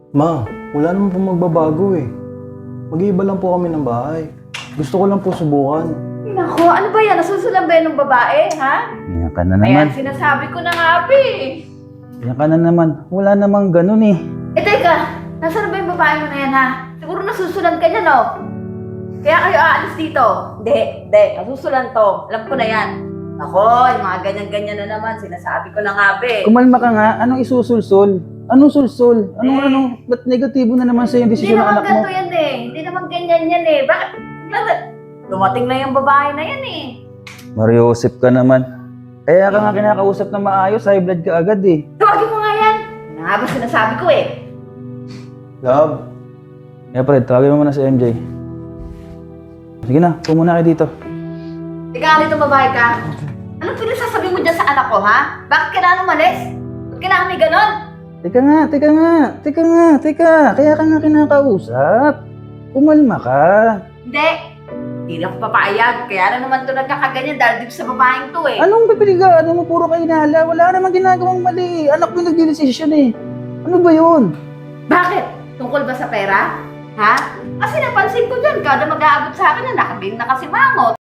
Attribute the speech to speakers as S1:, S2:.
S1: Ma, wala naman po magbabago eh. Mag-iiba lang po kami ng bahay. Gusto ko lang po subukan.
S2: Nako, ano ba yan? Nasusulan ba yan ng babae, ha?
S3: Yan ka na naman.
S2: Ayan, sinasabi ko na nga, Api.
S3: Yan ka na naman. Wala namang ganun eh.
S2: Eh, teka, nasaan ba yung babae mo na yan, ha? Siguro nasusulan ka niya, no? Kaya kayo aalis dito. Hindi. Nasusulan to. Alam ko na yan. Ako, yung mga ganyan-ganyan na naman. Sinasabi ko na nga, Api.
S3: Kumalma ka nga. Anong isusulsul? Anong sulsul? Ba't negatibo na naman sa'yo yung
S2: Hindi
S3: desisyon ng
S2: naman
S3: anak mo?
S2: ganito yan eh. Hindi naman ganyan yan eh. Bakit? Dumating na yung babae na yan eh.
S3: Mariosep ka naman. Kaya ka nga kinakausap na maayos, high blood ka agad eh.
S2: Tawagin mo nga yan. Ano nga ba sinasabi ko eh?
S1: Love,
S3: Kaya Fred, tawagin mo muna si MJ. Sige na, muna kayo dito.
S2: Ikaw, dito babae ka. Anong pinasasabi mo dyan sa anak ko, ha? Bakit kailangan umalis? Bakit kailangan may ganon?
S3: Teka. Kaya ka nga kinakausap. Kumalma ka.
S2: Hindi na ako papayag. Kaya na naman ito nagkakaganyan dahil dito sa babaeng to eh.
S3: Anong pipiligaan mo? Puro ka inala. Wala namang ginagawang mali. Anak mo yung nagdidesisyon eh. Ano ba yun?
S2: Bakit? Tungkol ba sa pera? Ha? Kasi napansin ko dyan, kada mag-aabot sa akin na nakabing nakasimangot.